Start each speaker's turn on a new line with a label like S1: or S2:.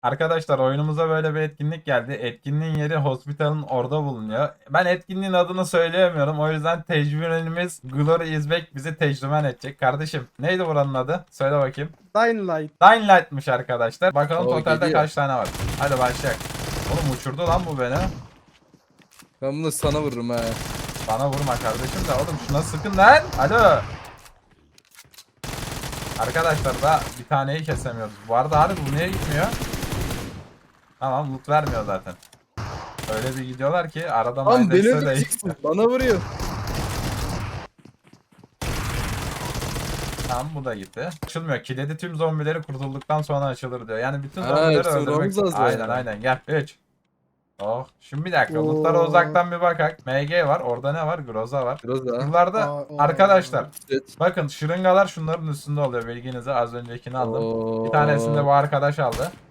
S1: Arkadaşlar oyunumuza böyle bir etkinlik geldi. Etkinliğin yeri Hospital'ın orada bulunuyor. Ben etkinliğin adını söyleyemiyorum. O yüzden tecrübenimiz Glory Izbek bizi tecrüben edecek. Kardeşim neydi buranın adı? Söyle bakayım.
S2: Dying Light.
S1: Dying Light'mış arkadaşlar. Bakalım
S3: O
S1: totalde
S3: geliyor.
S1: kaç tane var. Hadi başlayalım. Oğlum uçurdu lan bu beni.
S3: Ben bunu sana vururum ha.
S1: Bana vurma kardeşim de oğlum şuna sıkın lan. Alo. Arkadaşlar da bir taneyi kesemiyoruz. Bu arada harbi bu niye gitmiyor? Tamam loot vermiyor zaten. Öyle bir gidiyorlar ki arada
S3: Lan beni
S1: Mindex'e de...
S3: öldüreceksin. Bana vuruyor.
S1: Tamam bu da gitti. Açılmıyor. Kilidi tüm zombileri kurtulduktan sonra açılır diyor. Yani bütün
S3: Ha,
S1: zombileri
S3: hepsini
S1: öldürmek...
S3: vurmamız lazım
S1: Aynen
S3: yani.
S1: aynen gel. 3. Oh. Şimdi bir dakika.
S2: Oo.
S1: Lootlara uzaktan bir bakak. MG var. Orada ne var? Groza var.
S3: Biraz daha.
S1: Buralarda
S2: Aa,
S1: arkadaşlar.
S3: Evet.
S1: Bakın şırıngalar şunların üstünde oluyor. Bilginize az öncekini aldım. Bir tanesini de
S3: Oo.
S1: bu arkadaş aldı.